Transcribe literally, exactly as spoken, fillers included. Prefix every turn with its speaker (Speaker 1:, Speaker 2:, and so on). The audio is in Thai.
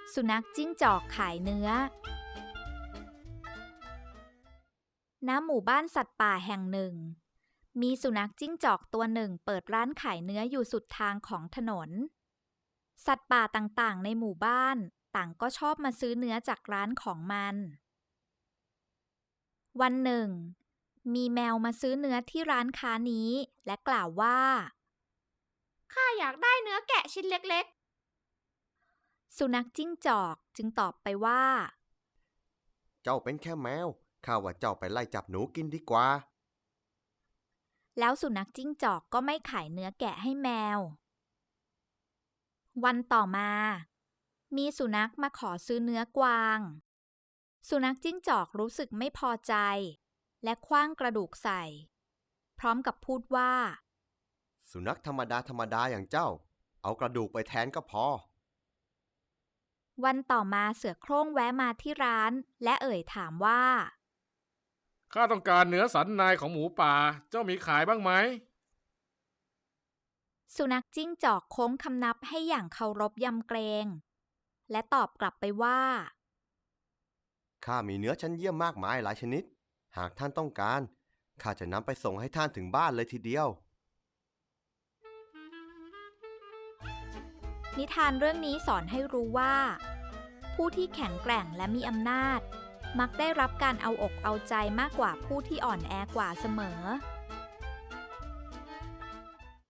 Speaker 1: สุนัขจิ้งจอกขายเนื้อณหมู่บ้านสัตว์ป่าแห่งหนึ่งมีสุนัขจิ้งจอกตัวหนึ่งเปิดร้านขายเนื้ออยู่สุดทางของถนนสัตว์ป่าต่างๆในหมู่บ้านต่างก็ชอบมาซื้อเนื้อจากร้านของมันวันหนึ่งมีแมวมาซื้อเนื้อที่ร้านค้านี้และกล่าวว่า
Speaker 2: ข้าอยากได้เนื้อแกะชิ้นเล็ก
Speaker 1: ๆสุนัขจิ้งจอกจึงตอบไปว่า
Speaker 3: เจ้าเป็นแค่แมวข้าว่าเจ้าไปไล่จับหนูกินดีกว่า
Speaker 1: แล้วสุนัขจิ้งจอกก็ไม่ขายเนื้อแกะให้แมววันต่อมามีสุนัขมาขอซื้อเนื้อกวางสุนัขจิ้งจอกรู้สึกไม่พอใจและขว้างกระดูกใส่พร้อมกับพูดว่า
Speaker 3: สุนัขธรรมดาธรรมดาอย่างเจ้าเอากระดูกไปแทนก็พอ
Speaker 1: วันต่อมาเสือโคร่งแวะมาที่ร้านและเอ่ยถามว่า
Speaker 4: ข้าต้องการเนื้อสันในของหมูป่าเจ้ามีขายบ้างไหม
Speaker 1: สุนัขจิ้งจอกโค้งคำนับให้อย่างเคารพยำเกรงและตอบกลับไปว่า
Speaker 3: ข้ามีเนื้อชั้นเยี่ยมมากมายหลายชนิดหากท่านต้องการข้าจะนำไปส่งให้ท่านถึงบ้านเลยทีเดียว
Speaker 1: นิทานเรื่องนี้สอนให้รู้ว่าผู้ที่แข็งแกร่งและมีอำนาจมักได้รับการเอาอกเอาใจมากกว่าผู้ที่อ่อนแอกว่าเสมอ